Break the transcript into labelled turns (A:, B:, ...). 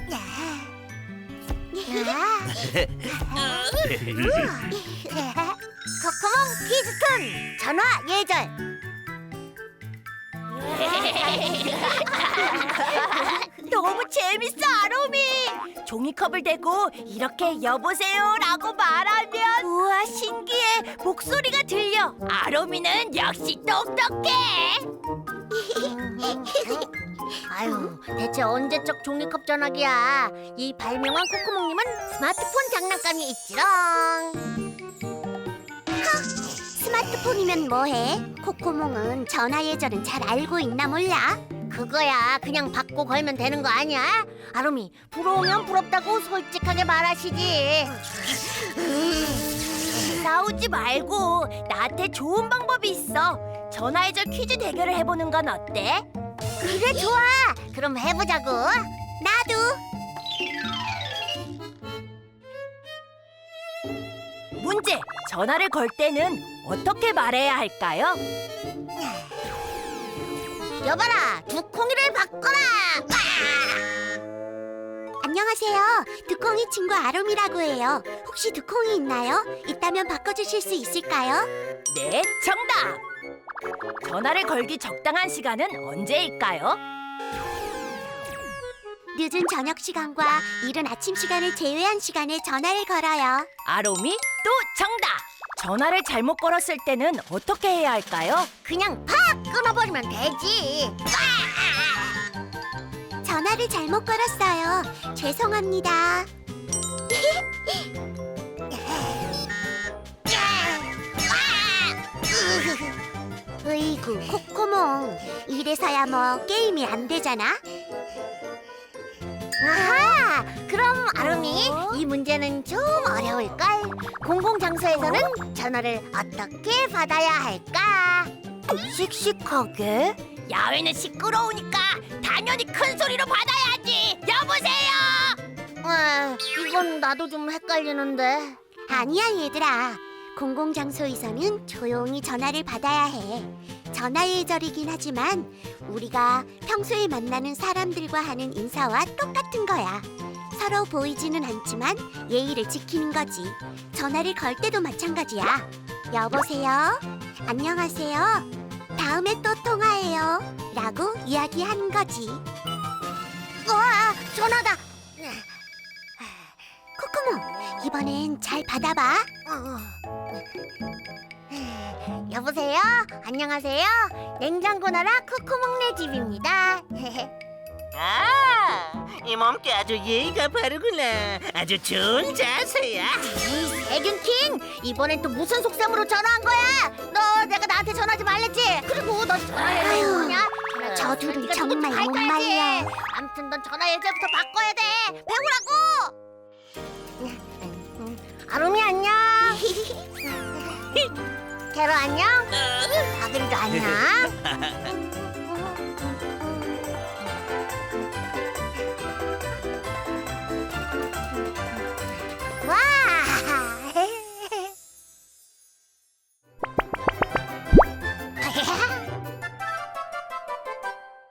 A: 코코몽 퀴즈톤 전화 예절. 너무 재밌어, 아롬이. 종이컵을 대고 이렇게 여보세요라고 말하면 우와, 신기해. 목소리가 들려. 아롬이는 역시 똑똑해. 아유, 대체 언제적 종이컵 전화기야. 이 발명한 코코몽님은 스마트폰 장난감이 있지롱. 스마트폰이면 뭐해? 코코몽은 전화 예절은 잘 알고 있나 몰라? 그거야 그냥 받고 걸면 되는 거 아니야? 아롬이, 부러우면 부럽다고 솔직하게 말하시지. 싸우지 말고 나한테 좋은 방법이 있어. 전화 예절 퀴즈 대결을 해보는 건 어때? 그래, 좋아. 그럼 해보자고. 나도. 문제! 전화를 걸 때는 어떻게 말해야 할까요? 여봐라, 두콩이를 바꿔라! 안녕하세요. 두콩이 친구 아롬이라고 해요. 혹시 두콩이 있나요? 있다면 바꿔주실 수 있을까요? 네, 정답! 전화를 걸기 적당한 시간은 언제일까요? 늦은 저녁 시간과 이른 아침 시간을 제외한 시간에 전화를 걸어요. 아롬이 또 정답! 전화를 잘못 걸었을 때는 어떻게 해야 할까요? 그냥 팍 끊어버리면 되지. 전화를 잘못 걸었어요. 죄송합니다. 으이구, 코코몽. 이래서야 뭐 게임이 안 되잖아. 아하! 그럼 아롬이, 이 문제는 좀 어려울걸? 공공장소에서는 전화를 어떻게 받아야 할까? 씩씩하게? 야외는 시끄러우니까 당연히 큰 소리로 받아야지! 여보세요! 이건 나도 좀 헷갈리는데. 아니야, 얘들아. 공공장소에서는 조용히 전화를 받아야 해. 전화 예절이긴 하지만 우리가 평소에 만나는 사람들과 하는 인사와 똑같은 거야. 서로 보이지는 않지만 예의를 지키는 거지. 전화를 걸 때도 마찬가지야. 여보세요? 안녕하세요? 다음에 또 통화해요. 라고 이야기하는 거지. 우와, 전화다. 코코몽, 이번엔 잘 받아봐. 여보세요? 안녕하세요? 냉장고 나라 코코몽네 집입니다.
B: 아, 이 몸께 아주 예의가 바르구나. 아주 좋은 자세야.
A: 에이, 세균킹! 이번엔 또 무슨 속셈으로 전화한 거야? 너 내가 나한테 전화하지 말랬지? 그리고 너 전화해 뭐냐? 저 둘은 정말 못 말려. 아무튼 넌 전화 예절부터 바꿔야 돼. 배우라고. 아롬이 안녕. 캐로 안녕. 아들도 안녕.